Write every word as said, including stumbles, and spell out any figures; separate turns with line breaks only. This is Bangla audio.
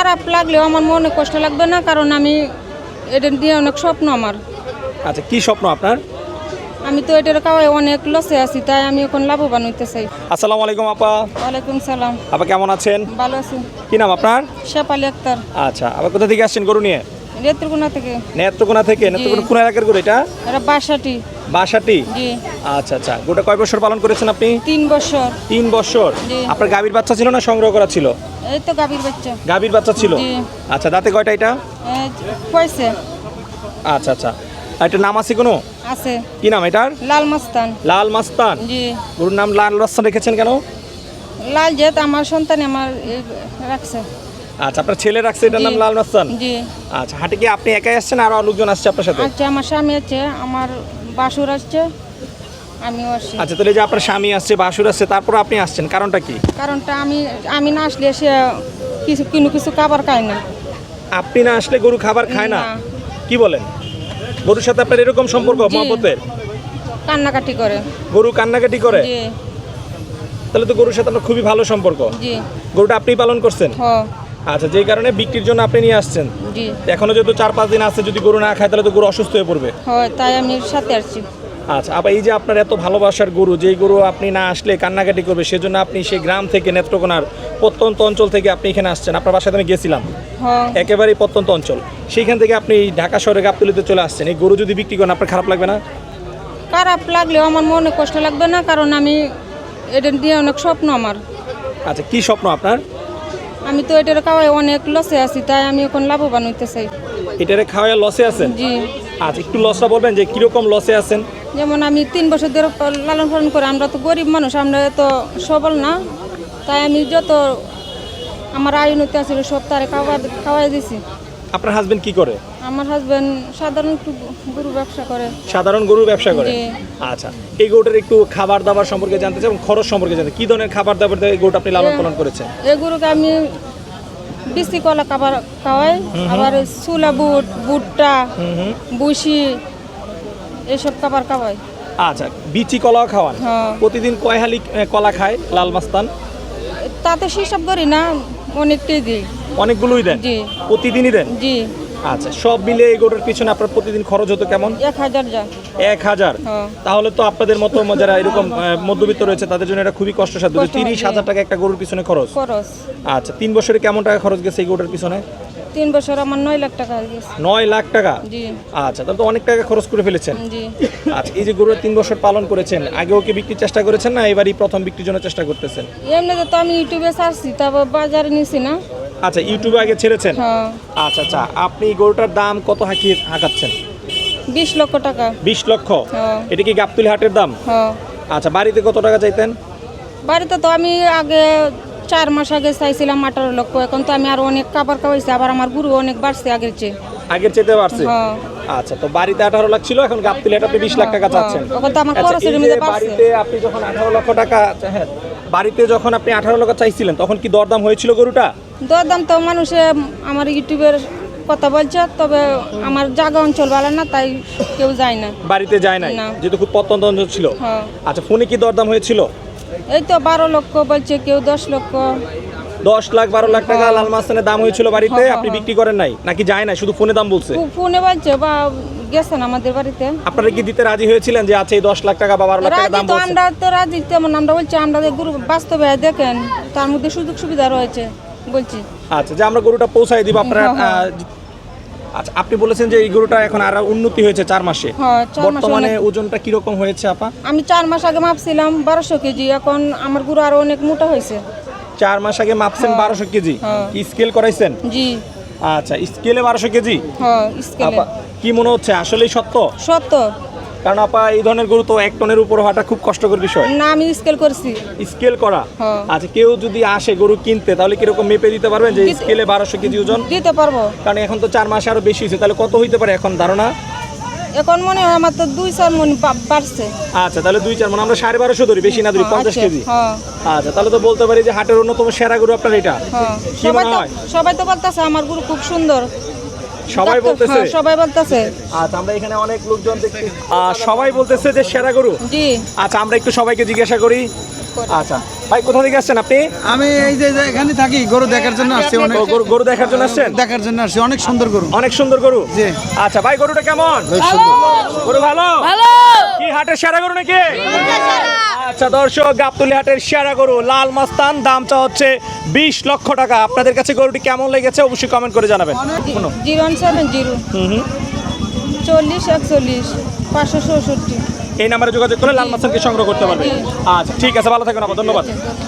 খারাপ লাগলেও আমার মনে কষ্ট লাগবে না, কারণ আমি এটা দিয়ে অনেক স্বপ্ন আমার।
আচ্ছা, কি স্বপ্ন আপনার?
আমি তো এটার কাওয়ায় অনেক লসে আছি, তাই আমি এখন লাভবান হইতে চাই।
আসসালামু আলাইকুম আপা।
ওয়ালাইকুম সালাম।
আপা কেমন আছেন?
ভালো আছি।
কি নাম আপনার?
শেফালি আক্তার।
আচ্ছা, আপা কোথা থেকে আসছেন গরু নিয়ে?
নেত্রকোনা থেকে।
নেত্রকোনা থেকে? নেত্রকোনা কোন এলাকার গরু এটা?
এটা বাসাটি।
বাসাটি?
জি।
আচ্ছা আচ্ছা, গরুটা কয় বছর পালন করেছেন আপনি?
তিন বছর।
তিন বছর?
জি।
আপনার গাভীর বাচ্চা ছিল না সংগ্রহ করা ছিল?
এই তো গাভীর বাচ্চা।
গাভীর বাচ্চা ছিল?
জি।
আচ্ছা, দাঁতে কয়টা এটা?
কয়ছে?
আচ্ছা আচ্ছা, আর এটার নাম আছে কোনো?
আছে।
কি নাম এটার?
লাল মাস্তান।
লাল মাস্তান?
জি।
গরুর নাম লাল মাস্তান রেখেছেন কেন?
লাল জেত আমার সন্তান আমার এই রাখছে।
আচ্ছা, আপনার ছেলে রাখছে এটার নাম
জি।
লাল মাস্তান?
জি।
আচ্ছা, হাটে কি আপনি একাই আসছেন আর লোকজন আসছে আপনার সাথে?
আচ্ছা, আমার স্বামী আছে, আমার বাসুর আসছে, আমিও আসছি।
আচ্ছা, তাহলে যে আপনার স্বামী আসছে, বাসুর আসছে, তারপর আপনি আসছেন, কারণটা কি?
কারণটা আমি আমি না আসলে সে কিছু কিনু কিছু খাবার খায় না।
আপনি না আসলে গরু খাবার খায় না?
না।
কি বলেন? গরুর সাথে আপনার এরকম সম্পর্ক
জি।
মহব্বতের?
কান্নাকাটি করে।
গরু কান্নাকাটি করে?
জি।
তাহলে তো গরুর সাথে আপনার খুবই ভালো সম্পর্ক।
জি।
গরুটা আপনি পালন করছেন?
হ।
আচ্ছা, যেই কারণে বিক্রির জন্য আপনি নিয়ে আসছেন।
জি।
এখনো যেহেতু চার পাঁচ দিন আছে, যদি গরু না খায় তাহলে তো গরু অসুস্থ হয়ে পড়বে।
হয়, তাই আমি সাথে আসছি।
আচ্ছা, আবার এই যে আপনার এত ভালোবাসার গরু, যেই গরু আপনি না আসলে কান্নাকাটি করবে, সেজন্য আপনি সেই গ্রাম থেকে, নেত্রকোনার প্রত্যন্ত অঞ্চল থেকে আপনি এখানে আসছেন। আপনার বাসায় আমি গেছিলাম,
হ।
একেবারেই প্রত্যন্ত অঞ্চল, সেইখান থেকে আপনি ঢাকা শহরে গাবতলীতে চলে আসছেন। এই গরু যদি বিক্রি করেন আপনার খারাপ লাগবে না?
খারাপ লাগলেও আমার মনে কষ্ট লাগবে না, কারণ আমি এটা দিয়ে অনেক স্বপ্ন আমার।
আচ্ছা, কি স্বপ্ন আপনার?
আমি তো এটার কাওয়ায় অনেক লসে আছি, তাই আমি এখন লাভবান হইতে চাই।
এটারে খাওয়া লসে আছেন?
জি।
আচ্ছা, একটু লসটা বলবেন যে কিরকম লসে আছেন?
যেমন আমি তিন বছর ধরে লালন পালন করে, আমরা তো গরিব মানুষ, আমরা তো সবল না, তাই আমি যত আমার আয় উন্নতি আছিল সব তারে খাওয়া খাওয়াই দিছি।
আপনার হাজবেন্ড কি করে?
আমার হাজবেন্ড সাধারণ একটু গরু ব্যবসা করে।
সাধারণ গরুর ব্যবসা করে?
জি।
আচ্ছা, এই গরুটার একটু খাবার দাবার সম্পর্কে জানতে চাই এবং খরচ সম্পর্কে জানতে, কি ধরনের খাবার দাবার দিয়ে এই গরুটা আপনি লালন পালন করেছেন?
এই গরুকে আমি বিসি কলা খাবার খাওয়াই, আবার চুলা বুট, ভুট্টা,
হুম হুম।
বুসি এসব খাবার খাওয়াই।
আচ্ছা, বিচি কলাও খাওয়ান?
হ্যাঁ।
প্রতিদিন কয় হালি আহ, কলা খায় লাল মাস্তান?
তাতে হিসাব করি না, অনেকটাই দিই।
অনেকগুলোই দেন?
জি।
প্রতিদিনই দেন?
জি।
আচ্ছা, সব মিলে এই গরুর পিছনে আপনার প্রতিদিন খরচ হতো কেমন?
এক হাজার যা।
এক হাজার?
হ্যাঁ।
তাহলে তো আপনাদের মতো যারা এরকম আহ, মধ্যবিত্ত রয়েছে তাদের জন্য এটা খুবই কষ্টসাধ্য।
কষ্ট,
তিরিশ
জি।
হাজার টাকা একটা গরুর পিছনে খরচ?
খরচ
আচ্ছা, তিন বছরে কেমন টাকা খরচ গেছে এই গরুটার পিছনে?
তিন বছর আমার নয় লাখ টাকা হয়ে গেছে।
নয় লাখ টাকা?
জি।
আচ্ছা, তাহলে তো অনেক টাকা খরচ করে ফেলেছেন।
জি।
আচ্ছা, এই যে গরুর তিন বছর পালন করেছেন, আগে ওকে বিক্রির চেষ্টা করেছেন না এবারই প্রথম বিক্রির জন্য চেষ্টা করতেছেন?
এমনিতে তো আমি ইউটিউবে ছাড়ছি, তারপর বাজারে নিছি না।
আচ্ছা, ইউটিউবে আগে ছেড়েছেন?
হ্যাঁ।
আচ্ছা আচ্ছা, আপনি গরুটার দাম কত হাঁকিয়ে হাঁকাচ্ছেন?
বিশ লক্ষ টাকা।
বিশ লক্ষ?
হ্যাঁ।
এটা কি গাবতলী হাটের দাম?
হ্যাঁ।
আচ্ছা, বাড়িতে কত টাকা চাইতেন?
বাড়িতে তো আমি আগে চার মাস আগে চাইছিলাম আঠারো লক্ষ, এখন তো আমি আরো অনেক খাবার খাওয়াইছি, আবার আমার গুরু অনেক বাড়ছে আগের চেয়ে।
আগের চেয়ে বাড়ছে?
হ্যাঁ।
আচ্ছা, তো বাড়িতে আঠারো লাখ ছিল, এখন গাবতলী হাটে আপনি বিশ লাখ টাকা চাচ্ছেন?
হ্যাঁ, এখন তো আমার
আচ্ছা,
খরচের
এই যে
মধ্যে বাড়ছে।
বাড়িতে আপনি যখন আঠারো লক্ষ টাকা, হ্যাঁ, বাড়িতে যখন আপনি আঠারো লক্ষ চাইছিলেন তখন কি দরদাম হয়েছিল গরুটা?
দরদাম তো মানুষে আমার ইউটিউবের কথা বলছে, তবে আমার জায়গা অঞ্চল ভালো না, তাই কেউ যায় না।
বাড়িতে যায় নাই
না।
যেহেতু খুব প্রত্যন্ত অঞ্চল ছিল?
হ্যাঁ।
আচ্ছা, ফোনে কি দরদাম হয়েছিল?
এই তো বারো লক্ষ বলছে, কেউ দশ লক্ষ।
দশ লাখ বারো লাখ টাকা লাল মাস্তানের দাম হয়েছিল বাড়িতে,
হ্যাঁ,
আপনি
হ্যাঁ।
বিক্রি করেন নাই নাকি যায় নাই, শুধু ফোনে দাম বলছে?
ফো- ফোনে বলছে বা গেছেন আমাদের বাড়িতে।
আপনারা কি দিতে রাজি হয়েছিলেন যে আচ্ছা এই দশ লাখ টাকা বা বারো লাখ টাকা
রাজি
দাম
তো
বলছে?
আমরা তো রাজি, তেমন আমরা বলছি আমরা যে গুরু বাস্তবে দেখেন তার মধ্যে সুযোগ সুবিধা রয়েছে বলছি।
আচ্ছা, যে আমরা গরুটা পৌঁছাই দিব আপনারা।
হ্যাঁ, হ্যাঁ।
আহ, আচ্ছা, আপনি বলেছেন যে এই গরুটা এখন আরো উন্নতি হয়েছে চার মাসে।
হ্যাঁ, চার মাসে
বর্তমানে
অনেক-
ওজনটা কিরকম হয়েছে আপা?
আমি চার মাস আগে মাপছিলাম বারোশো কেজি, এখন আমার গুরু আরো অনেক মোটা হয়েছে।
চার মাস আগে মাপছেন
হ্যাঁ।
বারোশো কেজি?
হ্যাঁ।
কি স্কেল করাইছেন?
জি।
আচ্ছা, স্কেলে বারোশো কেজি?
হ্যাঁ, স্কেলে।
আপা, কি মনে হচ্ছে আসলেই সত্য?
সত্য।
কারণ আপা এই ধরনের গরু তো এক টনের উপর হওয়াটা খুব কষ্টকর বিষয়।
না, আমি স্কেল করছি।
স্কেল করা?
হ্যাঁ।
আচ্ছা, কেউ যদি আসে গরু কিনতে তাহলে কিরকম মেপে দিতে পারবেন যে
দিতে-
স্কেলে বারোশো কেজি ওজন?
দিতে পারবো।
কারণ এখন তো চার মাসে আরো বেশি হয়েছে, তাহলে কত হইতে পারে এখন ধারণা?
এখন মনে হয় আমার তো দুই চার মন বা- বাড়ছে।
আচ্ছা, তাহলে দুই চার মানে আমরা সাড়ে বারোশো ধরি, বেশি না ধরি,
হ্যাঁ,
পঞ্চাশ
আচ্ছা,
কেজি।
হ্যাঁ।
আচ্ছা, তাহলে তো বলতে পারি যে হাটের অন্যতম সেরা গরু আপনার এটা।
হ্যাঁ।
কি
সবাই
মনে
তো
হয়?
সবাই তো বলতেছে আমার গুরু খুব সুন্দর।
সবাই বলতেছে?
হ্যাঁ, সবাই বলতেছে।
আচ্ছা, আমরা এখানে অনেক লোকজন দেখছি, আহ, সবাই বলতেছে যে সেরা গরু।
জি।
আচ্ছা, আমরা একটু সবাইকে জিজ্ঞাসা করি। আচ্ছা, ভাই কোথা থেকে আসছেন আপনি?
আমি এই যে যে এখানে থাকি, গরু দেখার জন্য আসছি। অনেক
ও, গরু গরু দেখার জন্য আসছেন?
দেখার জন্য আসছি, অনেক সুন্দর গরু।
অনেক সুন্দর গরু।
জি।
আচ্ছা ভাই, গরুটা কেমন? গরু ভালো
ভালো
কি হাটের সেরা গরু নাকি? আচ্ছা দর্শক, গাবতলী হাটের সেরা গরু লাল মাস্তান, দামটা হচ্ছে বিশ লক্ষ টাকা। আপনাদের কাছে গরুটি কেমন লেগেছে অবশ্যই কমেন্ট করে জানাবেন। শুনো।
জিরো ওয়ান সেভেন জিরো
হুম হুম
চল্লিশ একচল্লিশ পাঁচশো চৌষট্টি।
এই নাম্বারে যোগাযোগ করে লাল মাস্তানকে সংগ্রহ করতে পারবেন। আচ্ছা ঠিক আছে, ভালো থাকুন আপা, ধন্যবাদ।